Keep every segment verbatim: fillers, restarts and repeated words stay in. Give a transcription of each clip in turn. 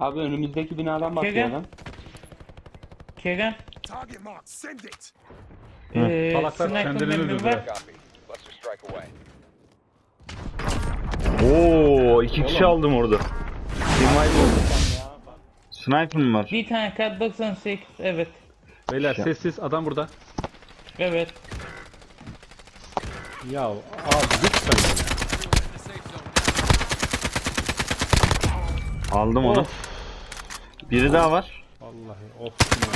Abi önümüzdeki binadan bakıyor lan. Kerem. Target marked. Send it. Eee Salaklar sniper kendilerini mermi öldürdüler. var. Copy. Cluster strike away. Oo, iki kişi aldım orada. Sniper mı var? Bir tane Kar doksan sekiz. Evet. Beyler Şey- sessiz adam burada. Evet. Ya abi lütfen ya. Aldım onu. Of. Biri daha var. Vallahi of.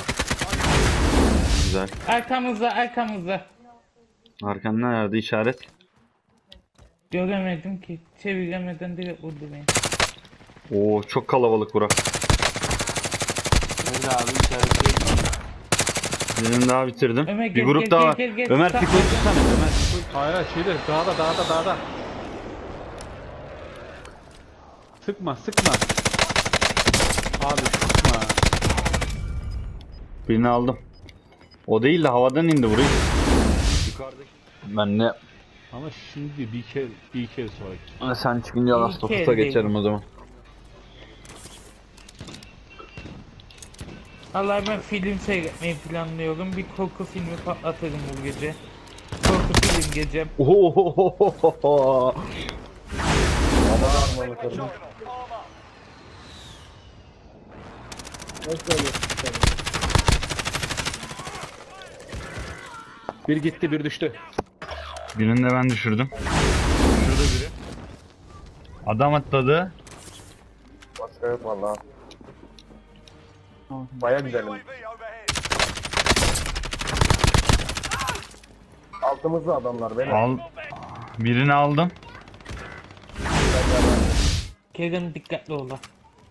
Güzel. Arkamızda arkamızda. Arkanda nerede işaret? Göremedim ki. Çeviremeden direkt vurdu beni. Oo, çok kalabalık bura. Nerede abi işaretleyin. Birini daha bitirdim. Ömer, Bir gel, grup gel, daha gel, var. gel, gel. Ömer Sağ- Piko'yu tutsana. Ömer Piko'yu. Hayır hayır şeyde dağda dağda dağda. Sıkma sıkma. Abi sıkma. Birini aldım. O değil de havadan indi burayı. Yukarıdaki. Ben ne? Ama şimdi bir kere bir kere sonra. Sen çıkınca Last of Us'a geçerim o zaman. Allah ben film seyretmeyi planlıyorum. Bir korku filmi patlatırım bu gece. Korku film gecem. Ohohohoho. Bir gitti bir düştü. Birini de ben düşürdüm. Şurada biri. Adam atladı. Başka yok valla. Baya güzelim. Altımızda adamlar beni. Al. Birini aldım. Kerem dikkatli ol lan.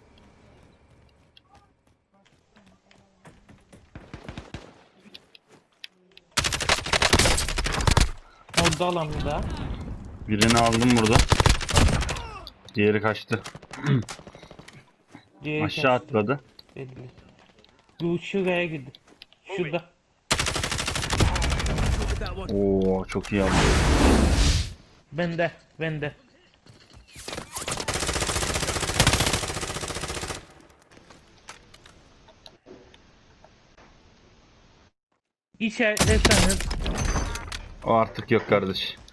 Orada alanında. Birini aldım burada. Diğeri kaçtı. Diğeri Aşağı kaçtı. atladı. Belli. Dur şuraya gidin. Şurada. Oo, çok iyi aldım. Bende. Bende. İşaretlerseniz O artık yok kardeş.